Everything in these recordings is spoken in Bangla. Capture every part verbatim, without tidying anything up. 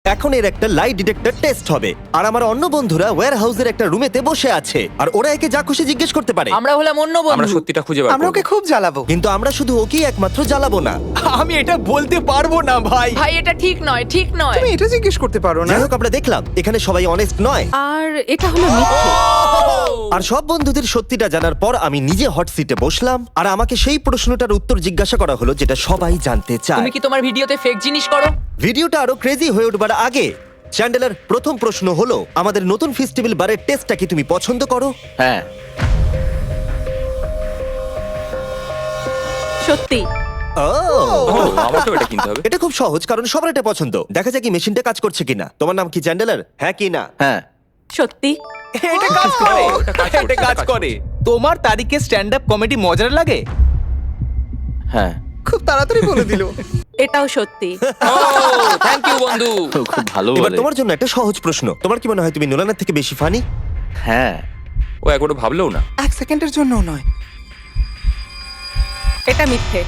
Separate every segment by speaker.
Speaker 1: এখন এর একটা লাই ডিটেক্টর টেস্ট হবে, আর আমার অন্য বন্ধুরা ওয়্যার হাউসের একটা রুমেতে বসে আছে, আর ওরা একে যা খুশি জিজ্ঞেস করতে পারে।
Speaker 2: আমরা হলাম অন্য
Speaker 3: আমরা
Speaker 2: বন্ধু।
Speaker 3: সত্যিটা খুঁজে বার
Speaker 4: আমরা
Speaker 3: করব।
Speaker 4: ওকে খুব জ্বালাবো।
Speaker 1: কিন্তু আমরা শুধু ওকেই একমাত্র জ্বালাবো না।
Speaker 5: আমি এটা বলতে পারবো না ভাই।
Speaker 2: ভাই এটা ঠিক নয়, ঠিক নয়।
Speaker 4: তুমি এটা জিজ্ঞেস করতে পারো না।
Speaker 1: যাই হোক, আমরা দেখলাম এখানে সবাই অনেস্ট নয়,
Speaker 6: আর এটা হলো মিথ্যে।
Speaker 1: আর সব বন্ধুদের সত্যিটা জানার পর আমি নিজে হট সিটে বসলাম, আর আমাকে সেই প্রশ্নটার উত্তর জিজ্ঞাসা করা হলো যেটা সবাই জানতে চায়।
Speaker 2: তুমি কি তোমার ভিডিওতে ফেক জিনিস করো?
Speaker 1: ভিডিওটা আরো ক্রেজি হয়ে উঠবার আগে চ্যান্ডেলার, প্রথম প্রশ্ন হলো আমাদের নতুন ফেস্টিভ্যাল বারের টেস্টটা কি তুমি পছন্দ করো?
Speaker 5: হ্যাঁ।
Speaker 6: সত্যি।
Speaker 1: ও,
Speaker 3: ও, আমাকেও এটা কিনতে হবে।
Speaker 1: এটা খুব সহজ, কারণ সবার এটা পছন্দ। দেখা যাক কি মেশিনটা কাজ করছে কিনা। তোমার নাম কি চ্যান্ডেলার? হ্যাঁ কি না?
Speaker 5: হ্যাঁ,
Speaker 6: সত্যি।
Speaker 5: এটা কাজ করে।
Speaker 3: এটা কাজ করছে,
Speaker 5: এটা কাজ
Speaker 3: এটা কাজ
Speaker 5: করে। তোমার তারিখে স্ট্যান্ড আপ কমেডি মজার লাগে? হ্যাঁ,
Speaker 4: খুব তাড়াতাড়ি বলে দিল।
Speaker 6: এটাও সত্যি।
Speaker 3: ও থ্যাংক ইউ বন্ধু।
Speaker 5: খুব ভালো
Speaker 1: এবার
Speaker 5: বলে।
Speaker 1: তোমার জন্য একটা সহজ প্রশ্ন। তোমার কি মনে হয় তুমি নোলানের থেকে বেশি ফানি?
Speaker 5: হ্যাঁ,
Speaker 3: ও একবারও ভাবলেও না।
Speaker 4: এক সেকেন্ডের জন্য নয়।
Speaker 6: এটা মিথ্যে।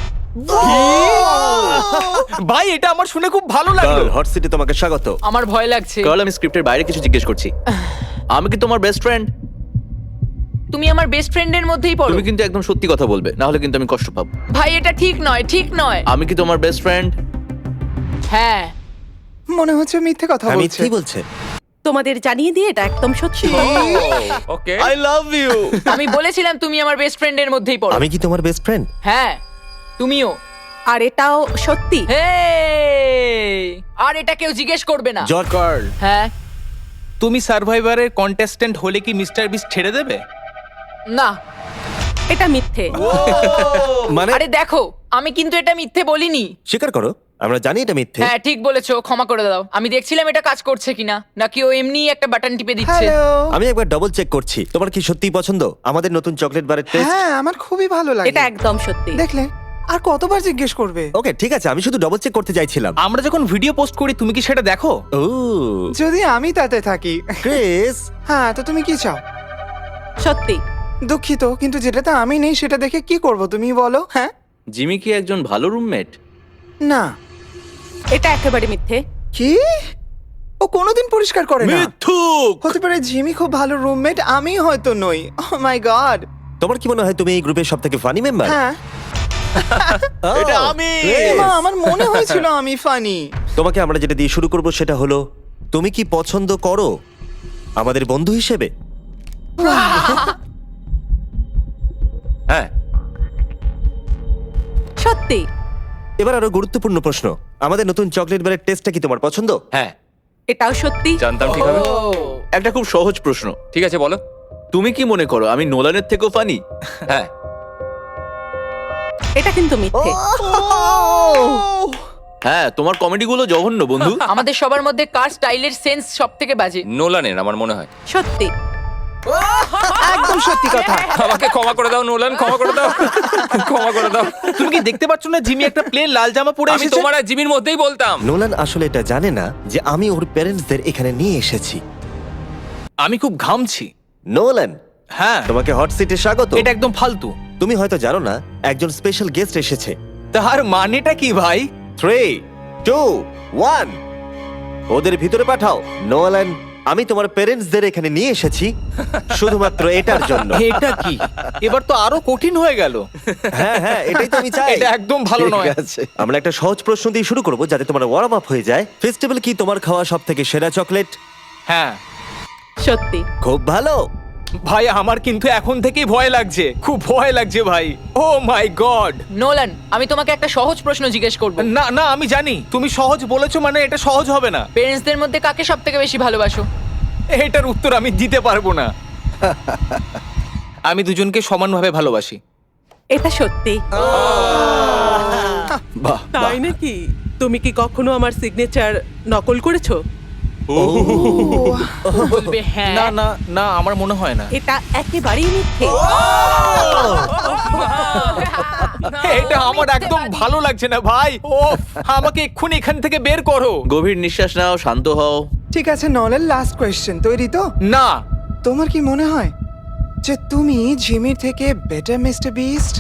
Speaker 5: ভাই এটা আমার শুনে খুব ভালো লাগলো।
Speaker 1: হট সিটে তোমাকে স্বাগত।
Speaker 2: আমার ভয় লাগছে।
Speaker 5: কারণ আমি স্ক্রিপ্টের বাইরে কিছু জিজ্ঞেস করছি। আমি কি তোমার বেস্ট ফ্রেন্ড?
Speaker 2: তুমি আমার বেস্ট ফ্রেন্ডের মধ্যেই পড়ো।
Speaker 5: তুমি কিন্তু একদম সত্যি কথা বলবে, না হলে কিন্তু আমি কষ্ট পাবো।
Speaker 2: ভাই এটা ঠিক নয়, ঠিক নয়।
Speaker 5: আমি কি তোমার বেস্ট ফ্রেন্ড?
Speaker 2: হ্যাঁ।
Speaker 4: মনে হচ্ছে মিথ্যে কথা
Speaker 1: আমি
Speaker 4: বলছে।
Speaker 1: কি বলছে?
Speaker 6: তোমাদের জানিয়ে দিয়ে এটা একদম সত্যি।
Speaker 3: ওকে।
Speaker 5: I love you.
Speaker 2: আমি বলেছিলাম তুমি আমার বেস্ট ফ্রেন্ডের মধ্যেই পড়ো।
Speaker 1: আমি কি তোমার বেস্ট ফ্রেন্ড?
Speaker 2: হ্যাঁ, তুমিও।
Speaker 6: আর এটাও সত্যি।
Speaker 2: হে, আর এটা কেউ জিজ্ঞেস করবে না।
Speaker 1: জর্জ
Speaker 5: কার্ল,
Speaker 2: হ্যাঁ।
Speaker 5: তুমি সার্ভাইভারের কন্টেস্ট্যান্ট হলে কি মিস্টার বিস্ট ছেড়ে দেবে?
Speaker 2: না।
Speaker 6: এটা মিথ্যে।
Speaker 1: মানে
Speaker 2: আরে দেখো, আমি কিন্তু এটা মিথ্যে বলিনি।
Speaker 1: স্বীকার করো, আমরা জানি এটা মিথ্যে।
Speaker 2: হ্যাঁ ঠিক বলেছো, ক্ষমা করে দাও। আমি দেখছিলাম এটা কাজ করছে কিনা, নাকি ও এমনি একটা বাটন টিপে দিচ্ছে।
Speaker 4: হ্যালো।
Speaker 1: আমি একবার ডবল চেক করছি। তোমার কি সত্যিই পছন্দ আমাদের নতুন চকলেট বারের টেস্ট?
Speaker 4: হ্যাঁ, আমার খুবই ভালো লাগে।
Speaker 6: এটা একদম সত্যি।
Speaker 4: দেখলে আর কতবার জিজ্ঞেস করবে?
Speaker 1: ওকে ঠিক আছে, আমি শুধু ডবল চেক করতে চাইছিলাম।
Speaker 5: আমরা যখন ভিডিও পোস্ট করি তুমি কি সেটা দেখো?
Speaker 1: ও
Speaker 4: যদি আমি তাতে থাকি।
Speaker 1: ক্রিস,
Speaker 4: হ্যাঁ, তো তুমি কি চাও?
Speaker 6: সত্যি।
Speaker 4: দুঃখিত, কিন্তু যেটাতে আমি নেই সেটা দেখে কি করব তুমি বলো? হ্যাঁ,
Speaker 5: জিমি কি একজন ভালো রুমমেট?
Speaker 4: না।
Speaker 6: এটা একেবারে মিথ্যে।
Speaker 4: কি? ও কোনোদিন পরিষ্কার করে না।
Speaker 5: মিথ্যুক।
Speaker 4: হতে পারে জিমি খুব ভালো রুমমেট, আমি হয়তো নই। Oh my god.
Speaker 1: তোমার কি মনে হয় তুমি এই গ্রুপের সবথেকে ফানি মেম্বার?
Speaker 4: হ্যাঁ,
Speaker 5: এটা আমি।
Speaker 4: মা, আমার মনে হয়েছিল আমি ফানি।
Speaker 1: তোমাকে আমরা যেটা দিয়ে শুরু করব সেটা হলো, তুমি কি পছন্দ করো আমাদের বন্ধু হিসেবে?
Speaker 3: হ্যাঁ।
Speaker 6: সত্যি।
Speaker 1: এবার আরো গুরুত্বপূর্ণ প্রশ্ন, আমাদের নতুন চকলেট বারের টেস্টটা কি তোমার পছন্দ?
Speaker 3: হ্যাঁ
Speaker 6: এটাও সত্যি।
Speaker 3: জানতাম ঠিক হবে।
Speaker 5: একটা খুব সহজ প্রশ্ন।
Speaker 3: ঠিক আছে বলো।
Speaker 5: তুমি কি মনে করো আমি নোলানের থেকেও ফানি?
Speaker 3: হ্যাঁ।
Speaker 6: এটা কিন্তু মিথ্যে।
Speaker 5: হ্যাঁ, তোমার কমেডি গুলো জঘন্য বন্ধু।
Speaker 2: আমাদের সবার মধ্যে কার স্টাইলের সেন্স সব থেকে বাজে?
Speaker 3: নোলানের আমার মনে হয়।
Speaker 6: সত্যি।
Speaker 4: একদম সত্যি কথা।
Speaker 3: আমাকে ক্ষমা করে দাও নোলান, ক্ষমা করে দাও, ক্ষমা করে দাও।
Speaker 5: তুমি কি দেখতে পাচ্ছ না জিমি একটা প্লেন লাল জামা পরে
Speaker 3: আমি
Speaker 5: এসেছে?
Speaker 3: তোমার আর জিমির মধ্যেই বলতাম।
Speaker 1: নোলান আসলে এটা জানে না যে আমি ওর প্যারেন্টসদের এখানে নিয়ে এসেছি।
Speaker 5: আমি খুব ঘামছি।
Speaker 1: নোলান,
Speaker 5: হ্যাঁ,
Speaker 1: তোমাকে হট সিটে স্বাগত।
Speaker 5: এটা একদম ফালতু।
Speaker 1: তুমি হয়তো জানো না একজন স্পেশাল গেস্ট এসেছে।
Speaker 5: তার মানেটা কি ভাই?
Speaker 1: থ্রি টু ওয়ান, ওদের ভিতরে পাঠাও। নোলান, আমি তোমার প্যারেন্টসদের এখানে নিয়ে এসেছি শুধুমাত্র এটার জন্য।
Speaker 5: এটা কি? এবার তো আরো কঠিন হয়ে গেল।
Speaker 1: হ্যাঁ হ্যাঁ, এটাই তো আমি চাই।
Speaker 5: এটা একদম ভালো
Speaker 1: ঠিক
Speaker 5: নয়।
Speaker 1: আছে, আমরা একটা সহজ প্রশ্ন দিয়ে শুরু করব যাতে তোমার ওয়ার্ম আপ হয়ে যায়। ফেস্টিভ্যাল কি তোমার খাওয়া সব থেকে সেরা চকলেট?
Speaker 5: হ্যাঁ
Speaker 6: সত্যি।
Speaker 1: খুব ভালো।
Speaker 5: ভাই, আমার কিন্তু এখন থেকেই ভয় লাগছে, খুব ভয় লাগছে ভাই। ও মাই গড।
Speaker 2: নোলান, আমি তোমাকে একটা সহজ প্রশ্ন জিজ্ঞেস করব।
Speaker 5: না না, আমি জানি তুমি সহজ বলেছো মানে এটা সহজ হবে না।
Speaker 2: পেরেন্টসদের মধ্যে কাকে সব থেকে বেশি ভালোবাসো?
Speaker 5: এটার উত্তর আমি দিতে পারবো না। আমি দুজনকে সমানভাবে ভালোবাসি।
Speaker 6: এটা সত্যি।
Speaker 1: বাহ,
Speaker 6: তাই নাকি? তুমি কি কখনো আমার সিগনেচার নকল করেছো?
Speaker 2: বলবে হ্যাঁ।
Speaker 5: না না না, আমার মনে হয় না।
Speaker 6: এটা একেবারেই মিথ্যে।
Speaker 5: এটা আমার একদম ভালো লাগছে না ভাই। ও, আমাকে এক্ষুনি এখান থেকে বের করো। গভীর নিঃশ্বাস নাও, শান্ত হও।
Speaker 4: ঠিক আছে নলের লাস্ট কোয়েশ্চেন, তৈরি তো?
Speaker 5: না।
Speaker 4: তোমার কি মনে হয় যে তুমি জিমির থেকে বেটার মিস্টার বিস্ট?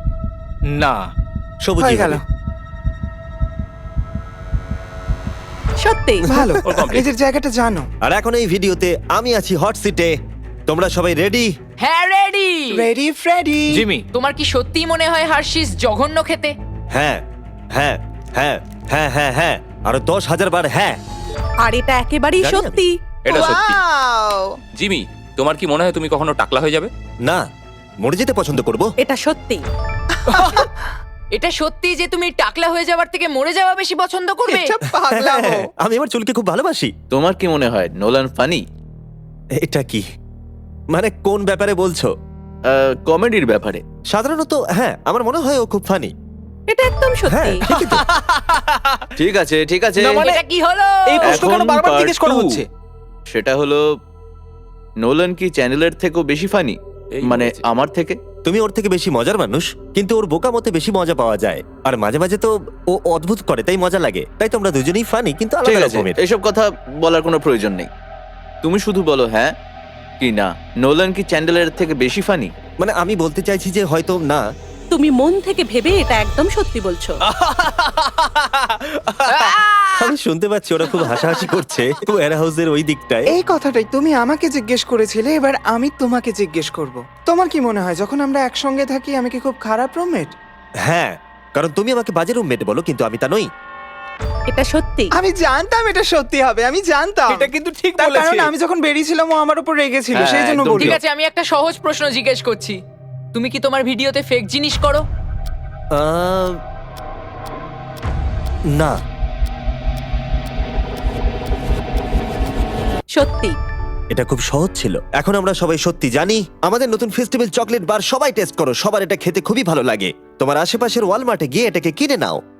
Speaker 5: না।
Speaker 1: সবুজ
Speaker 4: হয়ে গেল।
Speaker 6: সত্যি
Speaker 4: ভালো
Speaker 3: ওর complete।
Speaker 4: নিজের জায়গাটা জানো।
Speaker 1: আর এখন এই ভিডিওতে আমি আছি হট সিটে। তোমরা সবাই রেডি?
Speaker 2: হ্যাঁ রেডি
Speaker 4: রেডি ফ্রেডি।
Speaker 3: জিমি
Speaker 2: তোমার কি সত্যি মনে হয় হার্শিস জঘন্য খেতে?
Speaker 1: হ্যাঁ হ্যাঁ হ্যাঁ হ্যাঁ হ্যাঁ হ্যাঁ আরো দশ হাজার বার হ্যাঁ।
Speaker 6: আর এটা একেবারেই
Speaker 1: জানি আমি।
Speaker 6: সত্যি।
Speaker 3: এটা সত্যি
Speaker 4: Wow!
Speaker 3: জিমি তোমার কি মনে হয় তুমি কখনো টাকলা হয়ে যাবে?
Speaker 1: না, মরে যেতে পছন্দ করব।
Speaker 6: এটা সত্যি।
Speaker 2: এটা সত্যি যে তুমি টাকলা হয়ে যাওয়ার থেকে মরে যাওয়া বেশি পছন্দ করবে?
Speaker 4: এটা পাগলামো।
Speaker 1: আমি আমার চুলকে খুব ভালোবাসি।
Speaker 5: তোমার কি মনে হয় নোলান ফানি?
Speaker 1: এটা কি মানে কোন ব্যাপারে বলছো?
Speaker 5: কমেডির ব্যাপারে।
Speaker 1: সাধারণত হ্যাঁ, আমার মনে হয় ও খুব ফানি।
Speaker 6: এটা একদম
Speaker 1: হ্যাঁ
Speaker 6: সত্যি।
Speaker 1: ঠিকই তো।
Speaker 5: ঠিক আছে ঠিক আছে।
Speaker 3: না, মানে-
Speaker 2: এটা কি হলো?
Speaker 3: এই প্রশ্ন কেন
Speaker 5: এখন
Speaker 3: বারবার
Speaker 5: part
Speaker 3: জিজ্ঞেস করা
Speaker 5: two।
Speaker 3: হচ্ছে?
Speaker 5: সেটা হলো নোলান কি চ্যানেলের থেকেও বেশি ফানি?
Speaker 3: এই
Speaker 5: মানে
Speaker 3: বলেছে।
Speaker 5: আমার থেকে?
Speaker 1: তুমি ওর থেকে বেশি মজার মানুষ, কিন্তু ওর বোকা মতে বেশি মজা পাওয়া যায়। আর মাঝে মাঝে তো ও অদ্ভুত করে, তাই মজা লাগে। তাই তোমরা দুজনেই ফানি, কিন্তু
Speaker 5: ঠিক
Speaker 1: আলাদা
Speaker 5: আছে,
Speaker 1: রকমের।
Speaker 5: এসব কথা বলার কোনো প্রয়োজন নেই। তুমি শুধু বলো হ্যাঁ কি না। নোলান কি চ্যান্ডেলের থেকে বেশি ফানি?
Speaker 1: মানে আমি বলতে চাইছি যে হয়তো না।
Speaker 6: তুমি মন থেকে ভেবে এটা একদম সত্যি বলছো।
Speaker 1: আমি শুনতে পাচ্ছি ওরা খুব হাসাহাসি করছে ওয়্যার হাউসের ওই দিকটায়।
Speaker 4: এই কথাটাই তুমি আমাকে জিজ্ঞেস করেছিলে, এবার আমি তোমাকে জিজ্ঞেস করব। তোমার কি মনে হয় যখন আমরা একসঙ্গে থাকি আমি কি খুব খারাপ রুমমেট?
Speaker 1: হ্যাঁ, কারণ তুমি আমাকে বাজে রুমমেট বলো, কিন্তু আমি তা নই।
Speaker 6: এটা সত্যি।
Speaker 4: আমি জানতাম এটা সত্যি হবে, আমি জানতাম।
Speaker 3: এটা কিন্তু ঠিক
Speaker 4: তার
Speaker 3: বলেছে।
Speaker 4: কারণ আমি যখন বেরিয়েছিলাম ও আমার উপর রেগেছিল,
Speaker 5: হ্যাঁ,
Speaker 4: সেই জন্য
Speaker 5: একদম
Speaker 4: বলি।
Speaker 2: ঠিক আছে, আমি একটা সহজ প্রশ্ন জিজ্ঞেস করছি। তুমি কি তোমার ভিডিওতে ফেক জিনিস করো?
Speaker 1: আহ, না।
Speaker 6: সত্যি।
Speaker 1: এটা খুব সহজ ছিল। এখন আমরা সবাই সত্যি জানি। আমাদের নতুন ফেস্টিভ্যাল চকলেট বার সবাই টেস্ট করো, সবার এটা খেতে খুবই ভালো লাগে। তোমার আশেপাশের ওয়ালমার্টে গিয়ে এটাকে কিনে নাও।